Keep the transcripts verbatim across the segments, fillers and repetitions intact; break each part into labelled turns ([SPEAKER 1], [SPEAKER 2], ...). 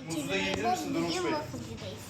[SPEAKER 1] Türkiye'de bugün wafflecıdayız.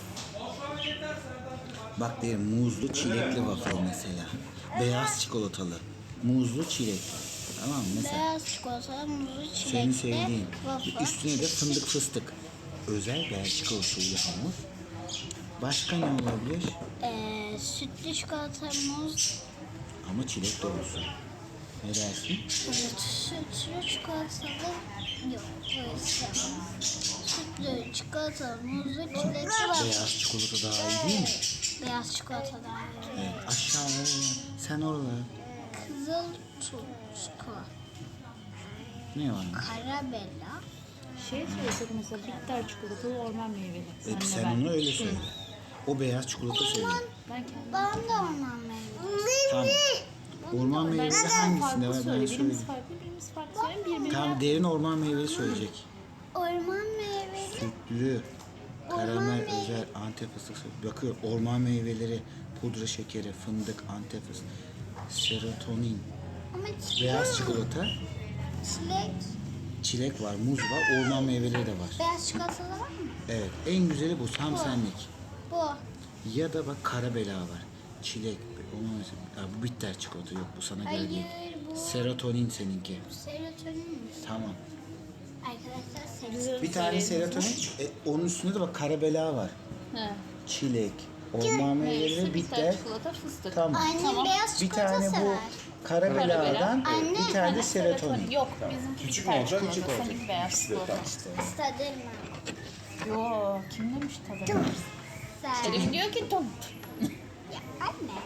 [SPEAKER 2] Bak derim muzlu çilekli waffle mesela. Beyaz çikolatalı. Muzlu çilek. Tamam mı? Mesela
[SPEAKER 1] Beyaz çikolata, muzlu çilekli
[SPEAKER 2] senin sevdiğin.
[SPEAKER 1] waffle.
[SPEAKER 2] Üstüne de fındık fıstık. Özel Belçika usulü hamur. Başka ne olabilir?
[SPEAKER 1] Ee, sütlü çikolata, muz.
[SPEAKER 2] Ama çilek de olsun. Ne dersin?
[SPEAKER 1] Evet, sütlü çikolatalı yok. Öyle sevmem. Sütlü çikolata, muzlu çilekli waffle.
[SPEAKER 2] Beyaz çikolata daha iyi değil mi?
[SPEAKER 1] Beyaz çikolata daha iyi.
[SPEAKER 2] Evet. Aşağıya. Sen oralara.
[SPEAKER 1] Kızıl çikolata.
[SPEAKER 2] Ne var?
[SPEAKER 1] Karabella.
[SPEAKER 3] Şey söylesek mesela bitter çikolatalı orman meyveli.
[SPEAKER 2] Evet,
[SPEAKER 3] Senle
[SPEAKER 2] sen
[SPEAKER 3] ben.
[SPEAKER 2] onu öyle söyle. O beyaz çikolata söyle.
[SPEAKER 3] Ben kendim.
[SPEAKER 1] Ben de orman meyveli.
[SPEAKER 2] Tamam. Orman meyveli hangisinde var ben
[SPEAKER 3] Söyle. Birimiz
[SPEAKER 2] söyleyeyim.
[SPEAKER 3] farklı, birimiz farklı söyleyeyim. Birbirine
[SPEAKER 2] Tamam, derin orman meyveli söyleyecek.
[SPEAKER 1] Orman meyveli.
[SPEAKER 2] Sütlü, karamel özel Antep fıstık. Bakıyor, orman meyveleri, pudra şekeri, fındık, Antep fıstık, serotonin,
[SPEAKER 1] Ama çilek.
[SPEAKER 2] beyaz çikolata,
[SPEAKER 1] Çilek.
[SPEAKER 2] çilek var, muz var, orman meyveleri de var.
[SPEAKER 1] Beyaz çikolatalı var mı?
[SPEAKER 2] Evet, en güzeli bu, tam
[SPEAKER 1] Bu.
[SPEAKER 2] senlik.
[SPEAKER 1] Bu.
[SPEAKER 2] Ya da bak karabela var, çilek, onu mesela, ya bu bitter çikolata yok, bu sana göre değil.
[SPEAKER 1] Hayır, bu
[SPEAKER 2] Serotonin seninki.
[SPEAKER 1] serotonin mi?
[SPEAKER 2] Tamam.
[SPEAKER 1] Arkadaşlar serotonin.
[SPEAKER 2] Bir tane serotonin, e, onun üstünde de bak karabela var.
[SPEAKER 3] He.
[SPEAKER 2] Çilek, orman meyveleri,
[SPEAKER 3] Neyse,
[SPEAKER 2] bitter.
[SPEAKER 3] çikolata, fıstık.
[SPEAKER 2] Tamam.
[SPEAKER 1] Annem
[SPEAKER 3] Tamam.
[SPEAKER 1] beyaz
[SPEAKER 2] Bir
[SPEAKER 1] çikolata
[SPEAKER 2] tane bu
[SPEAKER 1] sever.
[SPEAKER 2] karabeladan,
[SPEAKER 1] Anne,
[SPEAKER 2] bir tane de serotonin.
[SPEAKER 3] Yok, bizimki
[SPEAKER 4] Küçük
[SPEAKER 3] bitter
[SPEAKER 4] mü olacak,
[SPEAKER 3] çikolata,
[SPEAKER 4] küçük olacak?
[SPEAKER 3] seninki beyaz çikolata.
[SPEAKER 1] İstedim ben.
[SPEAKER 3] Yo, kim demiş tadı?
[SPEAKER 1] Sen.
[SPEAKER 3] Elif diyor ki tom.
[SPEAKER 1] Ya anne.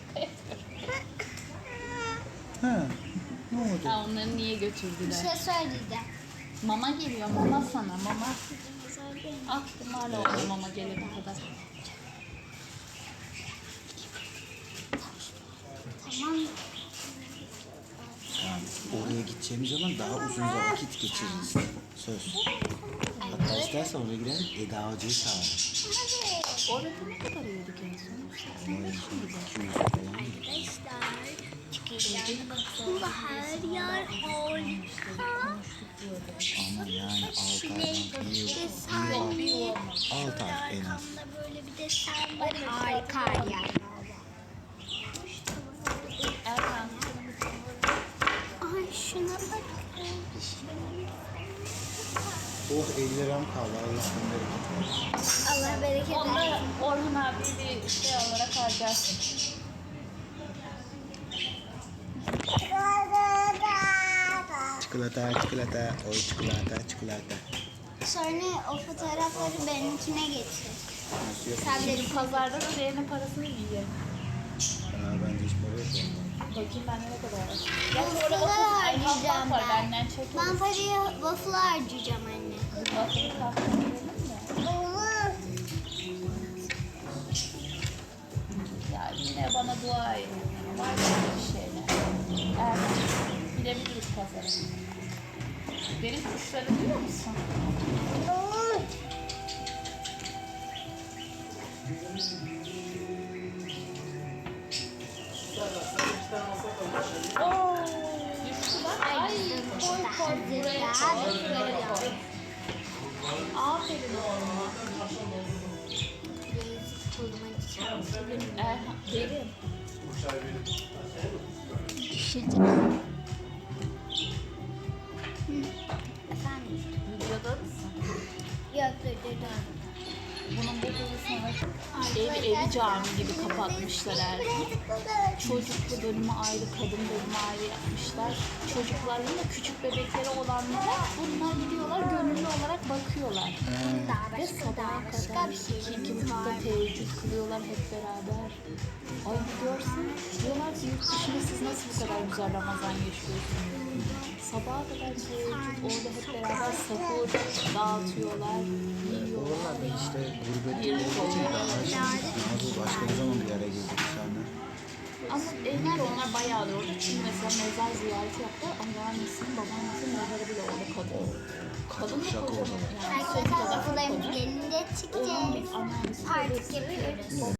[SPEAKER 2] Ha, ne oldu?
[SPEAKER 3] Ha, onları niye
[SPEAKER 1] Bir
[SPEAKER 3] götürdüler?
[SPEAKER 1] şey söyleyeceğim.
[SPEAKER 3] Mama geliyor, mama sana, mama. Ah, hala oldu mama gelene kadar.
[SPEAKER 1] Tamam.
[SPEAKER 2] Yani oraya gideceğimiz zaman daha uzun vakit geçiririz. Söz. Hatta istersen oraya gidelim, Eda Hoca'yı çağırırız.
[SPEAKER 1] Evet.
[SPEAKER 3] Orada ne kadar yedik en son?
[SPEAKER 2] Ama iki yüz falan.
[SPEAKER 1] Arkadaşlar. Çıkışlarına bakın. Her yer harika.
[SPEAKER 2] Ama yani altı
[SPEAKER 1] Çilek
[SPEAKER 2] aydan bir yıl,
[SPEAKER 1] desenli.
[SPEAKER 2] altı ay en az.
[SPEAKER 1] Arkamda böyle bir desen var. Harika her yer.
[SPEAKER 3] Erkan.
[SPEAKER 1] Ay şuna bakın.
[SPEAKER 2] Oh, elli liram kaldı. Allah senden razı
[SPEAKER 1] Allah bereket versin.
[SPEAKER 3] Onda Orhan abi bir şey olarak harcarsın.
[SPEAKER 2] Çikolata, çikolata, oy çikolata, çikolata.
[SPEAKER 1] Sonra o fotoğrafları benimkine getir.
[SPEAKER 2] Nasıl yok?
[SPEAKER 1] Sen de
[SPEAKER 3] Şimdi pazarda da diğerinin parasını yiyelim.
[SPEAKER 2] Aa, bende hiç para yok.
[SPEAKER 3] Bakayım bende ne kadar var. Ya
[SPEAKER 1] waffle'lar
[SPEAKER 3] orada waffle
[SPEAKER 1] harcayacağım
[SPEAKER 3] var
[SPEAKER 1] ben.
[SPEAKER 3] benden çek.
[SPEAKER 1] Ben parayı waffle harcayacağım anne.
[SPEAKER 3] Waffle'ı kahve verelim mi?
[SPEAKER 1] Olur.
[SPEAKER 3] Ya yine bana dua edin. Var böyle bir şeyler. Erkan. Gidebiliriz pazara. Benim kuşları biliyor musun?
[SPEAKER 1] Olur.
[SPEAKER 3] Oo, düştüler. Ay, koy koy buraya koy. Buraya koy. Aferin oğluma. Erhan, derin.
[SPEAKER 1] Efendim?
[SPEAKER 3] Videoda mısın?
[SPEAKER 1] Yok dur dur dur.
[SPEAKER 3] Bunun babasını ev, evi cami gibi kapatmışlar Erhan. Çocuklu bölümü ayrı, kadın bölümü ayrı yapmışlar. Çocukların da küçük bebekleri olanlara bunlar gidiyorlar, gönüllü olarak bakıyorlar.
[SPEAKER 1] Daha
[SPEAKER 3] Ve
[SPEAKER 1] başka
[SPEAKER 3] sabaha
[SPEAKER 1] daha başka
[SPEAKER 3] kadar
[SPEAKER 1] bir
[SPEAKER 3] iki,
[SPEAKER 1] şey
[SPEAKER 3] iki buçukta teheccüd kılıyorlar hep beraber. Ay bir görsen, diyorlar ki yurt dışında siz nasıl bu kadar güzel Ramazan yaşıyorsunuz? Sabaha kadar teheccüd, orada hep beraber sahur dağıtıyorlar, yiyorlar.
[SPEAKER 2] Oralarda işte gurbette olduğu için daha şimdi başka bir zaman bir araya geldik insanlar.
[SPEAKER 3] Ama evler onlar bayağıdır orada. Çünkü mesela mezar ziyareti yaptılar. Anneannesinin, babaannesinin mezarı bile orada kadın. Kadın da
[SPEAKER 2] Şaka
[SPEAKER 3] kocaman.
[SPEAKER 2] orada.
[SPEAKER 3] Yani sonuna
[SPEAKER 1] Arkadaşlar
[SPEAKER 3] kadar
[SPEAKER 1] waffle'larımız
[SPEAKER 3] kocaman.
[SPEAKER 1] gelince
[SPEAKER 3] Onun
[SPEAKER 1] çıkacağız.
[SPEAKER 3] bir anneannesi
[SPEAKER 1] Artık yapıyoruz.